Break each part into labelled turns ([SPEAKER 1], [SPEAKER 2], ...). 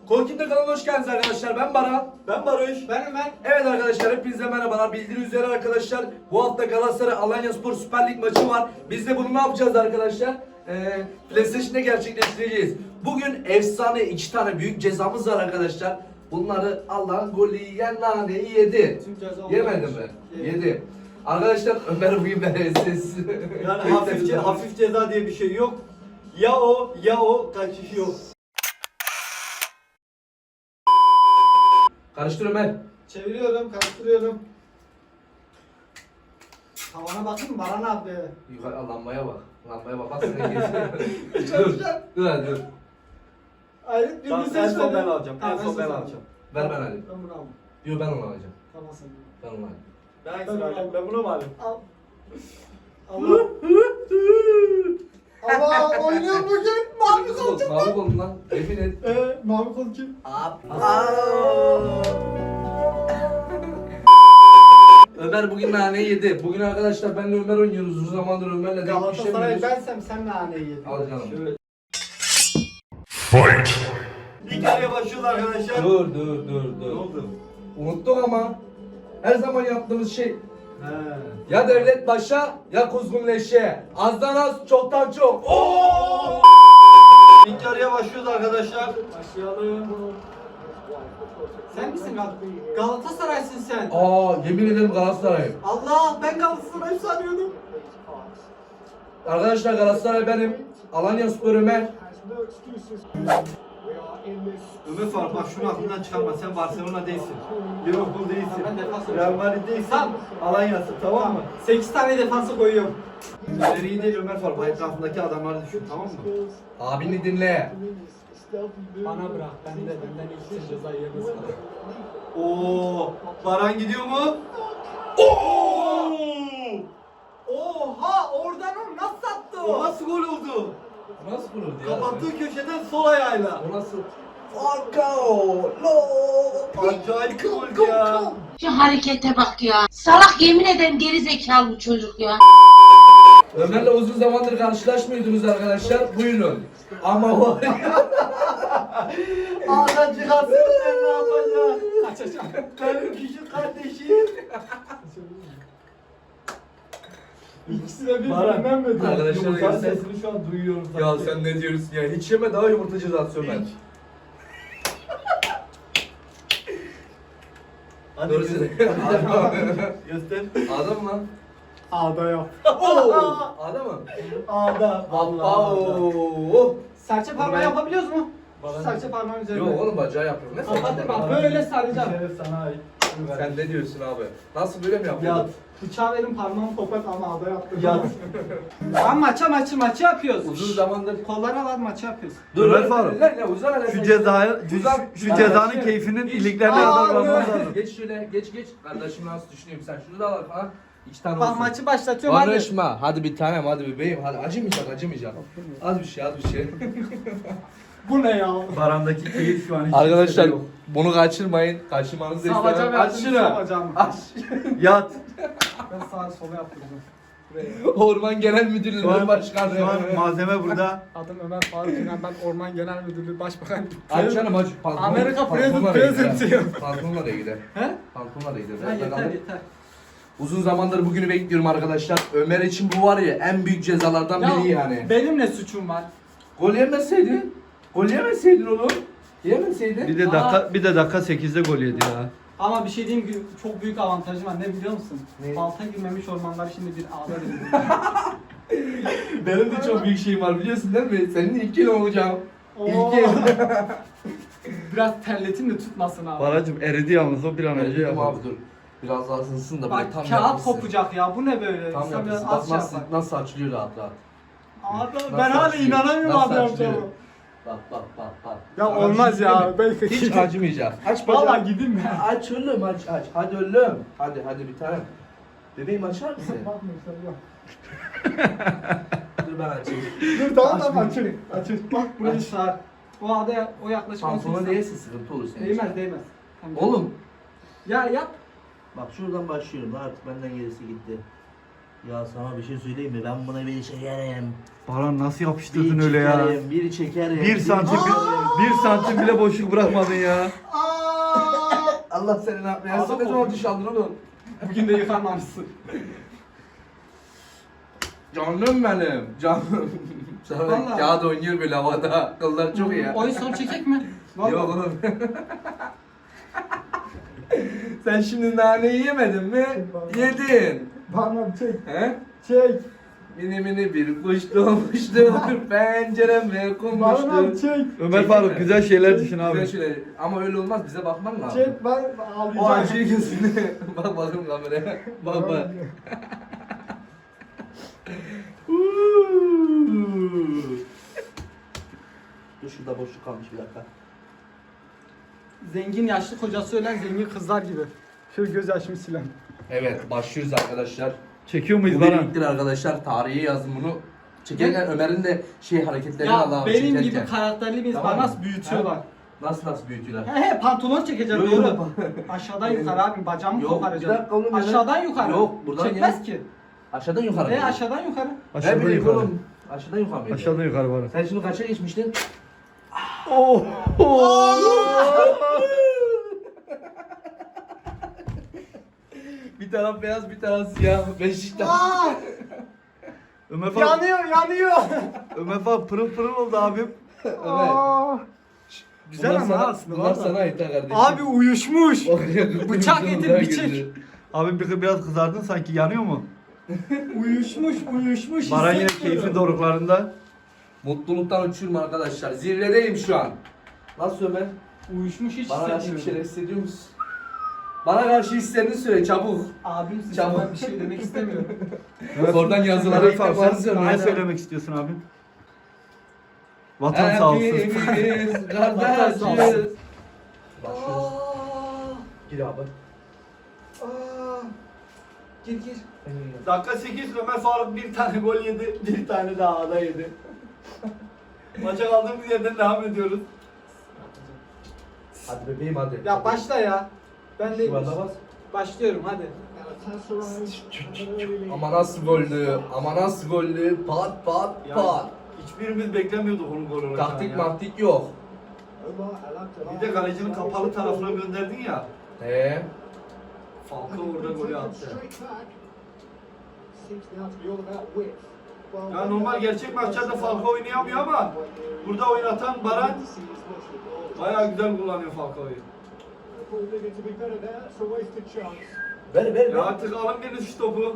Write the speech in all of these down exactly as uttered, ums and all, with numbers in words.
[SPEAKER 1] Kolkim'de kanalına hoş geldiniz arkadaşlar. Ben Baran.
[SPEAKER 2] Ben Barış. Ben Ömer.
[SPEAKER 1] Evet arkadaşlar, hepinize merhabalar. Bildiğiniz üzere arkadaşlar, bu hafta Galatasaray Alanyaspor Süper Lig maçı var. Biz de bunu ne yapacağız arkadaşlar? Ee, PlayStation'da gerçekleştireceğiz. Bugün efsane iki tane büyük cezamız var arkadaşlar. Bunları Allah'ın golü yiyen naneyi yedi. Yemedim mi? Yedi. Arkadaşlar Ömer bugün benesiz.
[SPEAKER 2] Yani hafif, hafif ceza diye bir şey yok. Ya o ya o kaçış yok.
[SPEAKER 1] Karıştır Ömer.
[SPEAKER 3] Çeviriyorum, karıştırıyorum. Tavana bakın Baran abi.
[SPEAKER 1] Yukarı lambaya bak. Lambaya bak. Bak sana geçiyor. dur. Dur hadi dur.
[SPEAKER 3] Hayır,
[SPEAKER 2] Tamam,
[SPEAKER 3] birini
[SPEAKER 2] en
[SPEAKER 3] seç.
[SPEAKER 2] son ben alacağım.
[SPEAKER 3] Tamam,
[SPEAKER 2] En son ben
[SPEAKER 3] sen
[SPEAKER 2] alacağım.
[SPEAKER 1] Ver ben alayım.
[SPEAKER 3] Ben bunu aldım.
[SPEAKER 1] Yok ben onu alacağım.
[SPEAKER 3] Tamam sen.
[SPEAKER 1] Ben onu alayım.
[SPEAKER 2] Ben hangisini alacağım? Ben bunu mu alayım?
[SPEAKER 3] Al. Allah. Allah oynuyor bugün. Mavi kol kim?
[SPEAKER 1] Mavi kolum lan. Emin et.
[SPEAKER 3] Ee, mavi kol kim?
[SPEAKER 1] Ömer bugün naneyi yedi. Bugün arkadaşlar benle Ömer oynuyoruz. Uzun zamandır Ömer'le denk
[SPEAKER 3] Galatasaray
[SPEAKER 1] düşemiyoruz.
[SPEAKER 3] bensem sen naneyi yedin.
[SPEAKER 1] Al canım.
[SPEAKER 2] Şöyle. İlk araya başlıyoruz arkadaşlar.
[SPEAKER 1] Dur dur dur
[SPEAKER 2] Ne
[SPEAKER 1] dur.
[SPEAKER 2] oldu?
[SPEAKER 1] Unuttuk ama her zaman yaptığımız şey
[SPEAKER 2] He.
[SPEAKER 1] ya devlet başa ya kuzgun leşe. Azdan az çoktan çok. Oo!
[SPEAKER 2] İlk araya başlıyoruz arkadaşlar.
[SPEAKER 3] Başlayalım. Sen misin Gal Galatasaray'sın sen.
[SPEAKER 1] Aa yemin ederim Galatasaray'ım.
[SPEAKER 3] Allah ben Galatasaray sanıyordum.
[SPEAKER 1] Arkadaşlar Galatasaray benim. Alanyaspor Ömer.
[SPEAKER 2] Ömer Faruk bak şunu aklından çıkarma. Sen Barcelona değilsin. Liverpool değilsin.
[SPEAKER 3] Ben defans
[SPEAKER 2] Real Madrid değilsin.
[SPEAKER 3] Tamam.
[SPEAKER 2] Alanya'sın, tamam mı?
[SPEAKER 3] sekiz tane defansı koyuyorum.
[SPEAKER 2] İleriyi değil Ömer Faruk. Etrafındaki adamları düşün, tamam mı?
[SPEAKER 1] Abini dinle.
[SPEAKER 3] Bana bırak. Ben de benden ilk ceza yemez.
[SPEAKER 2] Oo, Baran gidiyor mu? Oo!
[SPEAKER 3] Oha! Oradan o nasıl attı
[SPEAKER 2] O nasıl gol oldu?
[SPEAKER 1] Nasıl vuruldu ya?
[SPEAKER 2] Kapattığı köşeden sol ayağıyla.
[SPEAKER 1] O nasıl? Falcao! No!
[SPEAKER 2] Acayip bir gol ya.
[SPEAKER 4] Şu harekete bak ya. Salak yemin ederim geri zekalı bu çocuk ya.
[SPEAKER 1] Ömer'le uzun zamandır karşılaşmıyordunuz arkadaşlar. Buyurun. Ama var ya.
[SPEAKER 2] Ağzına çıkarsın sen ne yapacaksın?
[SPEAKER 3] Kaçacağım.
[SPEAKER 2] Benim küçük kardeşim.
[SPEAKER 3] İkisi de
[SPEAKER 2] Baran.
[SPEAKER 3] birbirinden mi?
[SPEAKER 1] Arkadaşlar
[SPEAKER 2] Yumurtanın
[SPEAKER 1] göster.
[SPEAKER 2] sesini şu an duyuyorum.
[SPEAKER 1] Ya
[SPEAKER 2] sanki.
[SPEAKER 1] sen ne diyorsun ya? Hiç yeme daha yumurta cezası Ömer.
[SPEAKER 2] Hiç. Hadi
[SPEAKER 1] Dur
[SPEAKER 2] göster.
[SPEAKER 1] size.
[SPEAKER 2] Göster.
[SPEAKER 1] Adam lan.
[SPEAKER 3] Ağda yok.
[SPEAKER 1] Oo! Adam mı?
[SPEAKER 2] Ağda.
[SPEAKER 1] Vallahi. Oo!
[SPEAKER 3] Serçe parmağı
[SPEAKER 1] Ben-
[SPEAKER 3] yapabiliyoruz mu?
[SPEAKER 2] Baran-
[SPEAKER 3] Serçe parmağın üzerine.
[SPEAKER 1] Yok oğlum bacağı yapıyorum. Ne
[SPEAKER 3] Kapat bak
[SPEAKER 1] sen?
[SPEAKER 3] böyle saracağım.
[SPEAKER 2] Şeref sana ait.
[SPEAKER 1] Sen ne diyorsun abi? Nasıl böyle mi
[SPEAKER 2] Yat.
[SPEAKER 1] yapıyorsun?
[SPEAKER 3] Bıçağı verin parmağımı kopart ama ağda yaptım.
[SPEAKER 2] Yat.
[SPEAKER 3] Lan maça maçı maçı yapıyoruz.
[SPEAKER 1] Uzun zamandır.
[SPEAKER 3] Kollara var maçı yapıyoruz.
[SPEAKER 1] Dur
[SPEAKER 2] Ömer
[SPEAKER 1] lan
[SPEAKER 2] Faruk.
[SPEAKER 1] lan ya uzan hele
[SPEAKER 2] Şu
[SPEAKER 1] sen.
[SPEAKER 2] cezayı,
[SPEAKER 1] Uzan.
[SPEAKER 2] şu
[SPEAKER 1] Lan
[SPEAKER 2] cezanın
[SPEAKER 1] geç.
[SPEAKER 2] keyfinin
[SPEAKER 1] Geç.
[SPEAKER 2] iliklerine
[SPEAKER 3] Aa,
[SPEAKER 2] kadar
[SPEAKER 3] dur.
[SPEAKER 2] varmamız lazım.
[SPEAKER 1] Geç şöyle geç geç. Kardeşim nasıl düşünüyorum sen şunu da al falan. İki tane
[SPEAKER 3] Bak
[SPEAKER 1] olsun.
[SPEAKER 3] maçı başlatıyorum hadi.
[SPEAKER 1] Barışma. Hadi bir tanem hadi bebeğim. Hadi acımayacak acımayacak. Az bir şey az bir şey.
[SPEAKER 3] Bu ne ya?
[SPEAKER 2] Baran'daki keyif şu an hiç
[SPEAKER 1] Arkadaşlar
[SPEAKER 2] yok.
[SPEAKER 1] bunu kaçırmayın. Kaçırmanızı da
[SPEAKER 3] Savacağım
[SPEAKER 1] istemem. Aç
[SPEAKER 3] yaptım,
[SPEAKER 1] şunu.
[SPEAKER 3] savacağım.
[SPEAKER 1] Aç.
[SPEAKER 2] Yat.
[SPEAKER 3] Ben sağa sola yaptırdım.
[SPEAKER 1] Orman Genel
[SPEAKER 2] Şu
[SPEAKER 1] Müdürlüğü
[SPEAKER 2] an,
[SPEAKER 1] Başkanı.
[SPEAKER 2] şu an malzeme burada.
[SPEAKER 3] Adım Ömer Faruk İnan, ben Orman Genel Müdürlüğü Başbakan.
[SPEAKER 1] Aç canım aç. Pantolon-
[SPEAKER 3] Amerika
[SPEAKER 1] pantolonla
[SPEAKER 3] President-
[SPEAKER 1] da gider.
[SPEAKER 3] President.
[SPEAKER 1] Pantolonla da gider.
[SPEAKER 3] He?
[SPEAKER 1] Pantolonla da gider.
[SPEAKER 3] Ha,
[SPEAKER 1] Biraz
[SPEAKER 3] yeter
[SPEAKER 1] daha kaldır.
[SPEAKER 3] yeter.
[SPEAKER 1] Uzun zamandır bugünü bekliyorum arkadaşlar. Ömer için bu var ya en büyük cezalardan biri yani.
[SPEAKER 3] Benim ne suçum var?
[SPEAKER 1] Gol yemeseydin. Gol yemeseydin oğlum. Yemeseydin.
[SPEAKER 2] Bir de dakika bir de dakika sekizde gol yedi ya.
[SPEAKER 3] Ama bir şey diyeyim ki çok büyük avantajım var. Ne biliyor musun?
[SPEAKER 1] Ne?
[SPEAKER 3] Balta girmemiş ormanlar şimdi bir ağda verildi.
[SPEAKER 1] Benim de çok büyük şeyim var biliyorsun değil mi? Senin ilk yıl olacağım.
[SPEAKER 3] Oo.
[SPEAKER 1] İlk yıl.
[SPEAKER 3] Biraz terletin de tutmasın abi.
[SPEAKER 2] Baracım eridi yalnız o bir an önce
[SPEAKER 1] Tamam
[SPEAKER 2] yapalım.
[SPEAKER 1] abi dur. Biraz daha ısınsın da
[SPEAKER 3] Bak
[SPEAKER 1] böyle tam
[SPEAKER 3] kağıt
[SPEAKER 1] yapmışsın.
[SPEAKER 3] kopacak ya. Bu ne böyle?
[SPEAKER 1] Tam
[SPEAKER 3] İnsan biraz
[SPEAKER 1] yapmışsın. Bak
[SPEAKER 3] az şey
[SPEAKER 1] nasıl,
[SPEAKER 3] yapar.
[SPEAKER 1] nasıl açılıyor rahat rahat.
[SPEAKER 3] Abi
[SPEAKER 1] Nasıl
[SPEAKER 3] ben hala
[SPEAKER 1] açılıyor?
[SPEAKER 3] inanamıyorum
[SPEAKER 1] Nasıl
[SPEAKER 3] abi
[SPEAKER 1] açılıyor?
[SPEAKER 3] yapacağımı.
[SPEAKER 1] Bak bak bak bak.
[SPEAKER 3] Ya
[SPEAKER 1] Sana
[SPEAKER 3] olmaz
[SPEAKER 1] bir şey
[SPEAKER 3] ya,
[SPEAKER 1] söyleyeyim mi?
[SPEAKER 3] belki
[SPEAKER 1] Hiç
[SPEAKER 3] gideyim.
[SPEAKER 1] acımayacak. Aç bacağı.
[SPEAKER 3] Valla gideyim mi?
[SPEAKER 1] Aç oğlum aç aç. Hadi oğlum. Hadi hadi bir tane. Bebeğim açar mısın?
[SPEAKER 3] Bakmıyorum sen yok.
[SPEAKER 1] Dur ben açayım.
[SPEAKER 3] Dur tamam
[SPEAKER 1] Aç
[SPEAKER 3] tamam
[SPEAKER 1] bir-
[SPEAKER 3] açın. Açın. Bak burayı
[SPEAKER 1] Aç.
[SPEAKER 3] sar. O ağda o yaklaşık on
[SPEAKER 1] Pantolona
[SPEAKER 3] sekiz
[SPEAKER 1] değilse sıkıntı olur senin için.
[SPEAKER 3] Değmez değmez.
[SPEAKER 1] Oğlum.
[SPEAKER 3] Ya yap.
[SPEAKER 1] Bak şuradan başlıyorum. Artık benden gerisi gitti. Ya sana bir şey söyleyeyim mi? Ben buna bir çekerim.
[SPEAKER 5] Baran nasıl yapıştırdın
[SPEAKER 1] Bir
[SPEAKER 5] öyle ya?
[SPEAKER 1] çekerim, bir çekerim.
[SPEAKER 5] Bir santim bile, bir santim bile boşluk bırakmadın ya.
[SPEAKER 1] Allah seni ne yapmaya? Sen ne zaman duş aldın oğlum?
[SPEAKER 3] Bugün de yıkanmamışsın.
[SPEAKER 1] Canım benim, canım. Sana
[SPEAKER 3] Vallahi.
[SPEAKER 1] kağıt oynuyor böyle havada. Kıllar çok iyi ya.
[SPEAKER 3] Oyun sonu çekecek mi? Vallahi.
[SPEAKER 1] Yok oğlum. Sen şimdi naneyi yemedin mi? Yedin.
[SPEAKER 3] Bana çek.
[SPEAKER 1] He?
[SPEAKER 3] Çek.
[SPEAKER 1] Mini mini bir kuş doğmuştu. Pencereme konmuştu.
[SPEAKER 3] çek.
[SPEAKER 5] Ömer Faruk güzel şeyler düşün abi.
[SPEAKER 1] Güzel şeyler. Ama öyle olmaz. Bize bakman lazım.
[SPEAKER 3] Çek ben ağlayacağım.
[SPEAKER 1] O acıyı gözüne. Bak bakayım kameraya. Bak bak. Dur şurada boşluk kalmış bir dakika.
[SPEAKER 3] Zengin yaşlı kocası ölen zengin kızlar gibi. Şöyle göz yaşımı silen.
[SPEAKER 1] Evet başlıyoruz arkadaşlar.
[SPEAKER 5] Çekiyor
[SPEAKER 1] Bu
[SPEAKER 5] muyuz
[SPEAKER 1] bir
[SPEAKER 5] Baran?
[SPEAKER 1] ilktir arkadaşlar. Tarihe yazın bunu. Çekerken Ömer'in de şey hareketlerini al
[SPEAKER 3] Ya
[SPEAKER 1] abi
[SPEAKER 3] benim
[SPEAKER 1] çekerken.
[SPEAKER 3] gibi karakterli bir
[SPEAKER 1] Tamam
[SPEAKER 3] bana
[SPEAKER 1] mı?
[SPEAKER 3] nasıl büyütüyorlar.
[SPEAKER 1] Nasıl nasıl büyütüyorlar?
[SPEAKER 3] He he pantolon çekeceğim
[SPEAKER 1] Yok,
[SPEAKER 3] doğru.
[SPEAKER 1] yok.
[SPEAKER 3] Aşağıdan yukarı abi bacağımı
[SPEAKER 1] Yok, bir
[SPEAKER 3] koparacağım.
[SPEAKER 1] dakika oğlum ya.
[SPEAKER 3] Aşağıdan yukarı.
[SPEAKER 1] Yok, buradan
[SPEAKER 3] Çekmez
[SPEAKER 1] ya.
[SPEAKER 3] ki.
[SPEAKER 1] Aşağıdan yukarı.
[SPEAKER 3] He
[SPEAKER 1] mı?
[SPEAKER 3] aşağıdan yukarı.
[SPEAKER 1] Ne
[SPEAKER 5] Aşağıdan
[SPEAKER 1] bileyim
[SPEAKER 5] yukarı.
[SPEAKER 1] oğlum. Aşağıdan yukarı mıydı?
[SPEAKER 5] Aşağıdan yukarı Baran.
[SPEAKER 1] Sen şimdi kaça geçmiştin?
[SPEAKER 5] Oh!
[SPEAKER 1] Bir taraf beyaz bir taraf siyah. Beşiktaş.
[SPEAKER 5] Ömer Faruk,
[SPEAKER 3] Yanıyor yanıyor.
[SPEAKER 5] Ömer Faruk pırıl pırıl oldu abim.
[SPEAKER 1] Evet.
[SPEAKER 3] Güzel
[SPEAKER 1] Bunlar
[SPEAKER 3] ama
[SPEAKER 1] sana-
[SPEAKER 3] aslında.
[SPEAKER 1] Bunlar
[SPEAKER 3] vallahi.
[SPEAKER 1] sana ait ha kardeşim.
[SPEAKER 3] Abi uyuşmuş.
[SPEAKER 1] Oraya
[SPEAKER 3] Bıçak
[SPEAKER 1] kırmızı
[SPEAKER 3] getir,
[SPEAKER 1] daha
[SPEAKER 3] bıçak.
[SPEAKER 1] girdi.
[SPEAKER 5] Abim bir biraz kızardın sanki yanıyor mu?
[SPEAKER 3] Uyuşmuş uyuşmuş.
[SPEAKER 5] Baran yine
[SPEAKER 3] hissetmiyorum.
[SPEAKER 5] keyfin doruklarında.
[SPEAKER 1] Mutluluktan uçuyorum arkadaşlar. Zirvedeyim şu an. Nasıl Ömer?
[SPEAKER 3] Uyuşmuş hiç
[SPEAKER 1] Bana karşı bir
[SPEAKER 3] hissetmiyorum.
[SPEAKER 1] şeyler hissediyor musun? Bana karşı hislerini söyle çabuk.
[SPEAKER 3] Abimsin
[SPEAKER 1] Çabuk.
[SPEAKER 3] ben bir şey demek istemiyorum.
[SPEAKER 1] Oradan yazıları
[SPEAKER 5] Ömer
[SPEAKER 1] ilk
[SPEAKER 5] Faruk
[SPEAKER 1] defa
[SPEAKER 5] sen
[SPEAKER 1] söylüyorum.
[SPEAKER 5] ne söylemek istiyorsun abim? Vatan sağ olsun.
[SPEAKER 1] Hepimiz kardeşiz. Başlıyoruz. Gir abi. Gir gir.
[SPEAKER 2] Dakika sekiz Ömer Faruk bir tane gol yedi, bir tane daha ada yedi. Maça kaldığımız yerden devam ediyoruz.
[SPEAKER 1] Hadi bebeğim hadi.
[SPEAKER 3] Ya başla ya. Ben de
[SPEAKER 1] Şurada bas.
[SPEAKER 3] başlıyorum hadi.
[SPEAKER 1] Ama nasıl gollü, ama nasıl gollü, pat pat
[SPEAKER 2] Yani
[SPEAKER 1] pat.
[SPEAKER 2] hiçbirimiz beklemiyorduk onun gol olacağını
[SPEAKER 1] Taktik
[SPEAKER 2] ya.
[SPEAKER 1] maktik yok.
[SPEAKER 2] Bir de kalecinin kapalı tarafına gönderdin ya.
[SPEAKER 1] Eee?
[SPEAKER 2] Falcao orada golü attı. Ya normal gerçek maçlarda Falcao oynayamıyor ama burada oynatan Baran bayağı güzel kullanıyor Falcao'yu.
[SPEAKER 1] Ver ver
[SPEAKER 2] Ya
[SPEAKER 1] ver.
[SPEAKER 2] artık alın biriniz şu topu.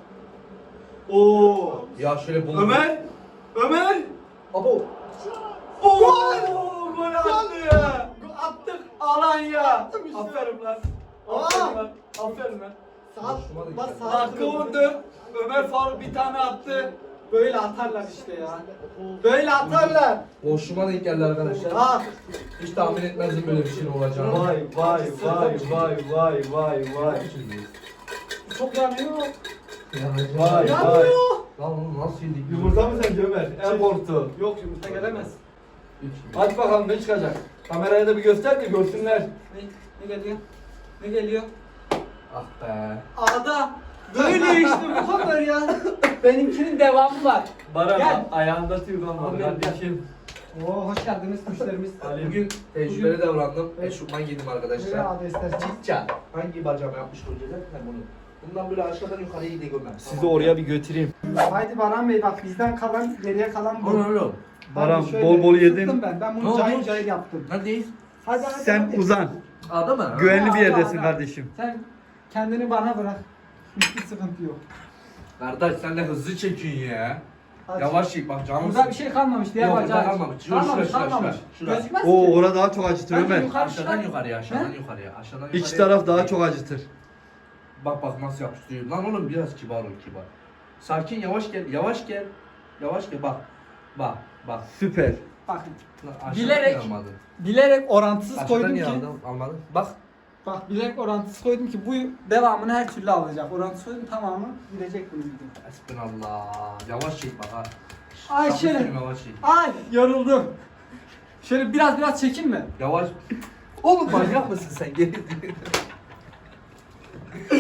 [SPEAKER 2] Oo.
[SPEAKER 1] Ya şöyle bul.
[SPEAKER 2] Ömer! Ömer!
[SPEAKER 1] Abo.
[SPEAKER 2] Oo! Gol attı! Attık Alanya! Aferin lan. Aferin lan. Aferin lan.
[SPEAKER 1] Hoşuma da gitti.
[SPEAKER 2] Dakika on dört. Ömer Faruk bir tane attı.
[SPEAKER 3] Böyle atarlar işte ya. Böyle atarlar.
[SPEAKER 1] Boşluğuma denk geldi arkadaşlar.
[SPEAKER 3] Ah.
[SPEAKER 1] Hiç tahmin etmezdim böyle bir şeyin olacağını.
[SPEAKER 2] Vay vay vay vay vay vay vay.
[SPEAKER 3] Çok yanıyor.
[SPEAKER 2] Vay vay.
[SPEAKER 3] Yanıyor.
[SPEAKER 1] Lan oğlum nasıl yedik?
[SPEAKER 2] Yumurta mı sence Ömer? En korktu.
[SPEAKER 3] Yok yumurta gelemez.
[SPEAKER 2] Hadi bakalım ne çıkacak? Kameraya da bir göster de görsünler.
[SPEAKER 3] Ne, ne geliyor? Ne geliyor?
[SPEAKER 1] Ah be.
[SPEAKER 3] Ağda. Böyle işte bu kadar ya. Benimkinin devamı var.
[SPEAKER 2] Baran
[SPEAKER 3] Gel.
[SPEAKER 2] ayağında tüy kalmadı
[SPEAKER 3] Aferin.
[SPEAKER 2] kardeşim.
[SPEAKER 3] Oo hoş geldiniz müşterimiz.
[SPEAKER 1] Bugün tecrübeli davrandım. Eşofman giydim
[SPEAKER 3] Böyle
[SPEAKER 1] arkadaşlar.
[SPEAKER 3] ağda istersen.
[SPEAKER 1] Çitça. Hangi bacağıma yapmış önceden? Ben bunu. Bundan böyle aşağıdan yukarıya iyi de görmem.
[SPEAKER 5] Sizi oraya bir götüreyim.
[SPEAKER 3] Haydi Baran Bey bak bizden kalan geriye kalan bu.
[SPEAKER 1] Oğlum oğlum.
[SPEAKER 5] Baran
[SPEAKER 3] Hadi şöyle
[SPEAKER 5] bol bol
[SPEAKER 3] ısıttım
[SPEAKER 5] yedin.
[SPEAKER 3] Ben. ben
[SPEAKER 1] Ne
[SPEAKER 3] bunu
[SPEAKER 1] oldu?
[SPEAKER 3] cayır cayır yaptım.
[SPEAKER 1] Neredeyiz?
[SPEAKER 3] Hadi hadi.
[SPEAKER 5] Sen
[SPEAKER 3] hadi.
[SPEAKER 5] uzan.
[SPEAKER 1] A'da mı?
[SPEAKER 5] Güvenli bir
[SPEAKER 3] Ağda,
[SPEAKER 5] yerdesin
[SPEAKER 3] ağda.
[SPEAKER 5] kardeşim.
[SPEAKER 3] Sen kendini bana bırak. Hiçbir sıkıntı yok.
[SPEAKER 1] Kardeş sen de hızlı çekin ya.
[SPEAKER 3] Hadi.
[SPEAKER 1] Yavaş çek bak canım.
[SPEAKER 3] Burada bir şey kalmamış diye
[SPEAKER 1] Yok,
[SPEAKER 3] bacağı
[SPEAKER 1] burada
[SPEAKER 3] aç.
[SPEAKER 1] kalmamış. Şurada,
[SPEAKER 3] Kalmamış,
[SPEAKER 1] şurada, şurada,
[SPEAKER 3] kalmamış.
[SPEAKER 1] şurada.
[SPEAKER 3] Gözükmez
[SPEAKER 5] Oo
[SPEAKER 3] ki.
[SPEAKER 5] orada daha çok acıtır
[SPEAKER 3] Bence
[SPEAKER 5] Ömer.
[SPEAKER 3] yukarı
[SPEAKER 1] Aşağıdan
[SPEAKER 3] çıkar.
[SPEAKER 1] yukarıya, aşağıdan
[SPEAKER 3] He?
[SPEAKER 1] yukarıya, aşağıdan
[SPEAKER 5] İç
[SPEAKER 1] yukarıya.
[SPEAKER 5] taraf daha çok acıtır.
[SPEAKER 1] Bak bak nasıl yapıştırıyor. Lan oğlum biraz kibar ol kibar. Sakin yavaş gel, yavaş gel. Yavaş gel bak. Bak bak.
[SPEAKER 5] Süper.
[SPEAKER 3] Bakın.
[SPEAKER 1] Lan aşağıdan
[SPEAKER 3] Bilerek-
[SPEAKER 1] niye almadın?
[SPEAKER 3] Bilerek orantısız
[SPEAKER 1] Aşağıdan
[SPEAKER 3] koydum
[SPEAKER 1] niye
[SPEAKER 3] ki.
[SPEAKER 1] aldın, almadın? Bak.
[SPEAKER 3] Bak bilerek orantısız koydum ki bu devamını her türlü alacak. Orantısız koydum tamamı gidecek bunun gibi.
[SPEAKER 1] Hasbinallah. Yavaş çek bak ha.
[SPEAKER 3] Ay
[SPEAKER 1] Sakın
[SPEAKER 3] şöyle.
[SPEAKER 1] söyleme, yavaş çek.
[SPEAKER 3] Ay yoruldum. Şöyle biraz biraz çekin mi?
[SPEAKER 1] Yavaş. Oğlum manyak mısın sen? Geri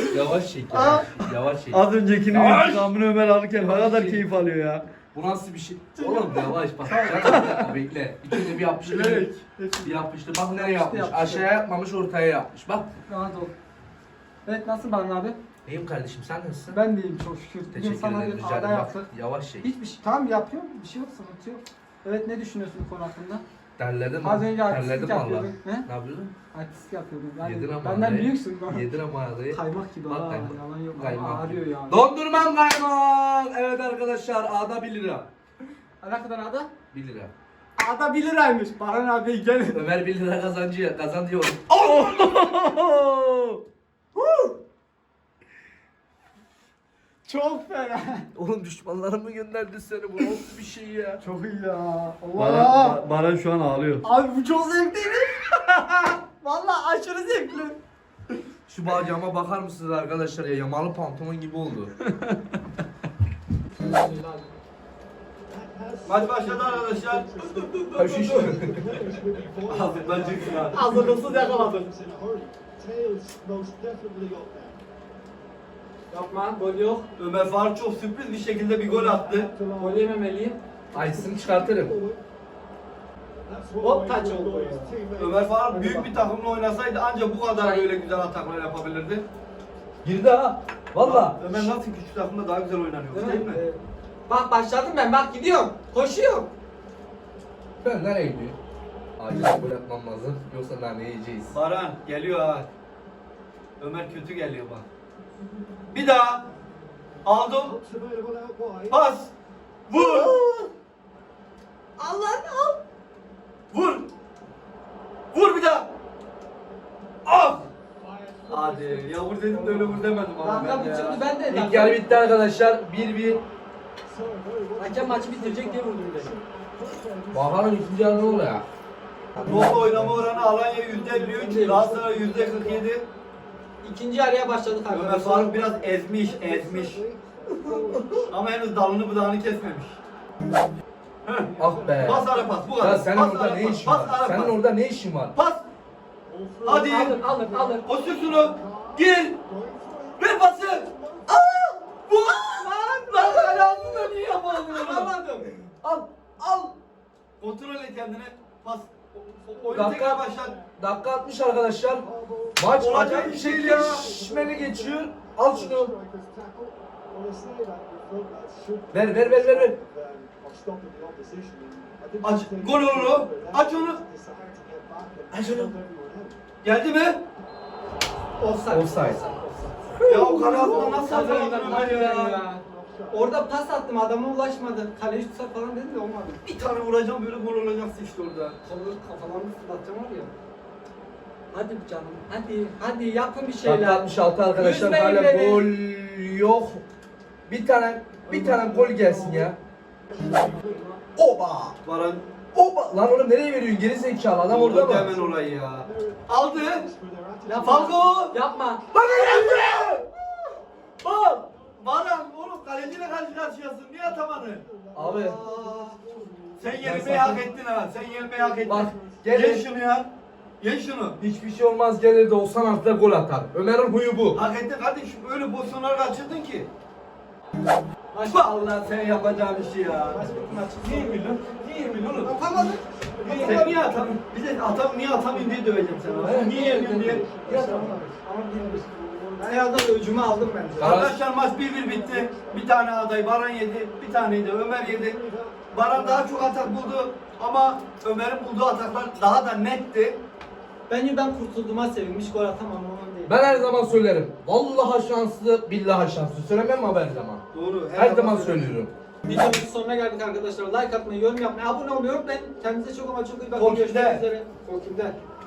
[SPEAKER 1] Yavaş çek.
[SPEAKER 3] Aa.
[SPEAKER 1] Yavaş, yavaş çek.
[SPEAKER 5] Az öncekinin
[SPEAKER 1] Yavaş.
[SPEAKER 5] intikamını Ömer alırken ne kadar
[SPEAKER 1] Yavaş.
[SPEAKER 5] keyif alıyor ya.
[SPEAKER 1] Bu nasıl bir şey? Oğlum yavaş bak. Bir dakika bekle. İçinde bir yapmıştı.
[SPEAKER 2] Bilerek.
[SPEAKER 1] Bir yapmıştı. Bak nereye
[SPEAKER 3] Yapmıştı,
[SPEAKER 1] yapmış.
[SPEAKER 3] yapmıştı.
[SPEAKER 1] Aşağıya yapmamış, ortaya yapmış. Bak.
[SPEAKER 3] Rahat ol. Evet nasıl Baran abi?
[SPEAKER 1] İyiyim kardeşim, sen nasılsın?
[SPEAKER 3] Ben de iyiyim çok şükür. Bugün
[SPEAKER 1] Teşekkür
[SPEAKER 3] sana
[SPEAKER 1] ederim.
[SPEAKER 3] bir
[SPEAKER 1] Rica
[SPEAKER 3] ada
[SPEAKER 1] ederim. Bak
[SPEAKER 3] yaptık.
[SPEAKER 1] yavaş çek.
[SPEAKER 3] Hiçbir şey. Tamam yapıyorum. Bir şey yok, sıkıntı yok. Evet ne düşünüyorsun bu konu hakkında?
[SPEAKER 1] Terledim
[SPEAKER 3] Az
[SPEAKER 1] mi?
[SPEAKER 3] önce
[SPEAKER 1] Terledim
[SPEAKER 3] artistlik
[SPEAKER 1] valla.
[SPEAKER 3] yapıyordun. He?
[SPEAKER 1] Ne yapıyordun?
[SPEAKER 3] Artistlik yapıyordun. Yani
[SPEAKER 1] Yedin ama
[SPEAKER 3] benden
[SPEAKER 1] adayı.
[SPEAKER 3] büyüksün.
[SPEAKER 1] Yedin ama adayı.
[SPEAKER 3] Kaymak gibi
[SPEAKER 1] Bak
[SPEAKER 3] ha.
[SPEAKER 1] kaymak.
[SPEAKER 3] Yalan yok. Ama
[SPEAKER 1] Kaymak.
[SPEAKER 3] ağrıyor yani.
[SPEAKER 1] Dondurmam kaymak. Evet arkadaşlar, A'da bir lira.
[SPEAKER 3] Ne kadar ada?
[SPEAKER 1] bir lira.
[SPEAKER 3] Ada bir liraymış. Baran abi gel.
[SPEAKER 1] Ömer bir lira kazancı kazan diyor.
[SPEAKER 3] Çok fena.
[SPEAKER 1] Oğlum düşmanlarım mı gönderdi seni? Bu nasıl bir şey ya?
[SPEAKER 3] Çok iyi ya. Allah.
[SPEAKER 5] Baran, Ba- Baran şu an ağlıyor.
[SPEAKER 3] Abi bu çok zevkliydi. Vallahi aşırı zevkli.
[SPEAKER 1] Şu bacağıma bakar mısınız arkadaşlar ya? Yamalı pantolon gibi oldu.
[SPEAKER 2] Maç başladı arkadaşlar.
[SPEAKER 1] Haşiş.
[SPEAKER 2] Ağzından çıksın ha.
[SPEAKER 3] Hazırlıksız yakaladım. Yapma, gol yok.
[SPEAKER 2] Ömer Faruk çok sürpriz bir şekilde bir gol attı.
[SPEAKER 3] Gol yememeliyim.
[SPEAKER 1] Açsın çıkartırım.
[SPEAKER 3] Hop taç oldu.
[SPEAKER 2] Ömer Faruk büyük bir takımla oynasaydı ancak bu kadar böyle güzel ataklar yapabilirdi.
[SPEAKER 1] Girdi ha. Valla.
[SPEAKER 2] Ömer nasıl küçük takımda daha güzel oynanıyor değil mi?
[SPEAKER 3] Ee, Bak başladım ben, bak gidiyorum. Koşuyorum.
[SPEAKER 1] Ben nereye gidiyor? Acil gol yapmam lazım. Yoksa daha ne yiyeceğiz?
[SPEAKER 2] Baran geliyor ha. Ömer kötü geliyor bak. Bir daha. Aldım. Pas. Vur.
[SPEAKER 3] Allah al.
[SPEAKER 2] Vur. Vur bir daha. Ah. Hadi ya vur dedim de öyle vur demedim ama
[SPEAKER 3] Kanka
[SPEAKER 2] ben
[SPEAKER 3] bu
[SPEAKER 2] de
[SPEAKER 3] çıktı
[SPEAKER 2] ya.
[SPEAKER 3] ben de.
[SPEAKER 1] İlk yarı bitti arkadaşlar. bir bir.
[SPEAKER 3] Hakem maçı bitirecek diye vurdum dedim.
[SPEAKER 1] Bakalım ikinci yarı ne oluyor ya?
[SPEAKER 2] Top oynama oranı Alanya yüzde elli üç, Galatasaray yüzde kırk yedi.
[SPEAKER 3] İkinci yarıya başladık
[SPEAKER 2] Ömer
[SPEAKER 3] arkadaşlar.
[SPEAKER 2] Faruk biraz ezmiş, ezmiş. Ama henüz dalını budağını kesmemiş.
[SPEAKER 1] Ah be.
[SPEAKER 2] Pas ara pas, bu kadar.
[SPEAKER 1] Ya senin
[SPEAKER 2] Pas
[SPEAKER 1] orada
[SPEAKER 2] ara
[SPEAKER 1] ne
[SPEAKER 2] pas,
[SPEAKER 1] işin
[SPEAKER 2] pas
[SPEAKER 1] var?
[SPEAKER 2] ara
[SPEAKER 1] Senin
[SPEAKER 2] pas.
[SPEAKER 1] orada ne işin var?
[SPEAKER 2] Pas. Hadi.
[SPEAKER 3] Alır alır alır.
[SPEAKER 2] O şutunu. Gir. Ver pası. Aa! Bu. Lan lan kale altında niye yapamadın onu?
[SPEAKER 3] Alamadım.
[SPEAKER 2] Al, al. Kontrol et kendine. Pas. O- o- Oyun
[SPEAKER 1] Dakika-
[SPEAKER 2] tekrar başlat.
[SPEAKER 1] Dakika altmış arkadaşlar. Maç
[SPEAKER 2] Olacak
[SPEAKER 1] acayip bir
[SPEAKER 2] bir şey
[SPEAKER 1] şekilde
[SPEAKER 2] ya.
[SPEAKER 1] şişmeli geçiyor. Al şunu. Ver ver ver ver ver.
[SPEAKER 2] Aç. Gol olur o. Aç onu.
[SPEAKER 1] Aç onu.
[SPEAKER 2] Geldi mi?
[SPEAKER 3] Offside.
[SPEAKER 1] Offside.
[SPEAKER 2] Ya o kale altına nasıl yakaladın Ömer ya?
[SPEAKER 3] Orada pas attım, adama ulaşmadı. Kaleyi tutsa falan dedim de olmadı.
[SPEAKER 2] Bir tane vuracağım böyle gol olacaksın işte orada.
[SPEAKER 3] Kolu kafalarını fırlatacağım var ya. Hadi canım, hadi, hadi yapın bir
[SPEAKER 1] Dakika
[SPEAKER 3] şeyler.
[SPEAKER 1] altmış altı arkadaşlar.
[SPEAKER 3] Üzmeyin
[SPEAKER 1] Hala
[SPEAKER 3] beni.
[SPEAKER 1] gol yok. Bir tane bir tane gol gelsin ya. Oba!
[SPEAKER 2] Baran
[SPEAKER 1] Oba! Lan oğlum nereye veriyorsun? Geri zekalı adam orada
[SPEAKER 2] vurdu
[SPEAKER 1] mı?
[SPEAKER 2] hemen orayı ya. Aldı.
[SPEAKER 3] Yapma.
[SPEAKER 2] Falco.
[SPEAKER 3] Yapma.
[SPEAKER 2] Bak yaptı. Bak. Baran oğlum kaleciyle karşı karşıyasın. Niye atamadın?
[SPEAKER 1] Abi.
[SPEAKER 2] Sen
[SPEAKER 1] Ben
[SPEAKER 2] yenilmeyi
[SPEAKER 1] zaten-
[SPEAKER 2] hak ettin ha. Sen yenilmeyi hak ettin.
[SPEAKER 1] Bak,
[SPEAKER 2] Gel
[SPEAKER 1] gel.
[SPEAKER 2] şunu ya. Ye şunu.
[SPEAKER 1] Hiçbir şey olmaz, gelir de olsan artıda gol atar. Ömer'in huyu bu.
[SPEAKER 2] Hak ettin kardeşim. Öyle pozisyonlar kaçırdın ki.
[SPEAKER 3] Maç
[SPEAKER 2] Bak Allah sen yapacağın işi ya.
[SPEAKER 3] Maç bitti, maç bitti.
[SPEAKER 2] Niye milyon? Niye milyon oğlum?
[SPEAKER 3] Yapamadım.
[SPEAKER 2] Sen niye atamadın? Bize atam niye atamayın diye döveceğim seni.
[SPEAKER 1] Evet.
[SPEAKER 2] Niye yemiyorsun diye. Niye atamadın?
[SPEAKER 3] Ama bilmiyorum. Ben herhalde öcümü aldım bence.
[SPEAKER 2] Arkadaşlar maç bir bir bitti. Bir tane aday Baran yedi, bir taneyi de Ömer yedi. Baran daha çok atak buldu ama Ömer'in bulduğu ataklar daha da netti.
[SPEAKER 3] Bence ben kurtulduğuma sevinmiş, gol atamam ondan değil.
[SPEAKER 1] Ben her zaman söylerim. Vallahi şanslı, billahi şanslı. Söylemem mi abi her zaman?
[SPEAKER 2] Doğru.
[SPEAKER 1] Her zaman söylüyorum.
[SPEAKER 3] Videomuzun sonuna geldik arkadaşlar. Like atmayı, yorum yapmayı, abone olmayı unutmayın. Kendinize çok ama çok iyi bakın.
[SPEAKER 2] Korkim'de.
[SPEAKER 3] Görüşmek üzere. Korkim'de.